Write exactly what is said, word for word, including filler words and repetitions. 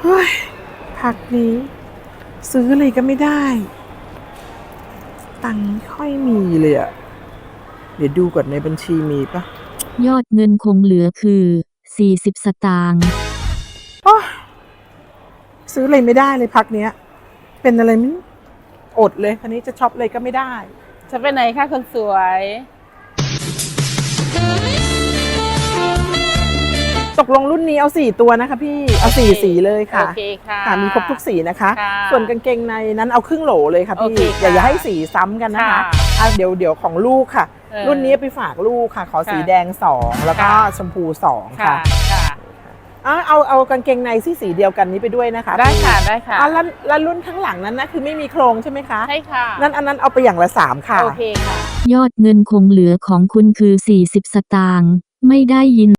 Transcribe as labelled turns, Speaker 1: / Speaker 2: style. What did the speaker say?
Speaker 1: ฮ้ยพักนี้ซื้ออะไรก็ไม่ได้ตังค์ไม่ค่อยมีเลยอะเดี๋ยวดูก่อนในบัญชีมีปะ
Speaker 2: ยอดเงินคงเหลือคือสี่สิบสตางค์
Speaker 1: โอ้ซื้ออะไรไม่ได้เลยพักเนี้ยเป็นอะไรไม่อดเลยคันนี้จะช็อปอะไรก็ไม่ได้
Speaker 3: จะไปไหนคะคนสวย
Speaker 1: ตกลงรุ่นนี้เอาสี่ตัวนะคะพี่เอาสี่สีเลยค่ะ
Speaker 3: โอเคค่ะ
Speaker 1: ค่ะมีครบทุกสีนะคะ
Speaker 3: ค่ะ
Speaker 1: ส่วนกางเกงในนั้นเอาครึ่งโหลเลยค่ะพี่
Speaker 3: โอเคค่ะ
Speaker 1: อย่าอย่าให้สีซ้ำกันนะคะ
Speaker 3: ค่ะ
Speaker 1: อ่ะเดี๋ยวเดี๋ยวของลูกค่ะ
Speaker 3: เออ
Speaker 1: รุ่นนี้ไปฝากลูกค่ะ ขอสี
Speaker 3: ค่ะ
Speaker 1: แดงสองแล้วก็
Speaker 3: ค่ะ
Speaker 1: ชมพูสอง
Speaker 3: ค่ะ
Speaker 1: ค่ะ
Speaker 3: ค่ะ
Speaker 1: อ่ะเอาเอากางเกงในที่สีเดียวกันนี้ไปด้วยนะคะ
Speaker 3: ได้ค่ะ
Speaker 1: พี่
Speaker 3: ได้ค่ะ
Speaker 1: อ่ะแล้วแล้วรุ่นข้างหลังนั้นนะคือไม่มีโครงใช่ไหมคะ
Speaker 3: ใช่ค่ะ
Speaker 1: นั่นอันนั้นเอาไปอย่างละสามค่ะ
Speaker 3: โอเคค่ะ
Speaker 2: ยอดเงินคงเหลือของคุณคือสี่สิบสตางค์ไม่ได้ยิน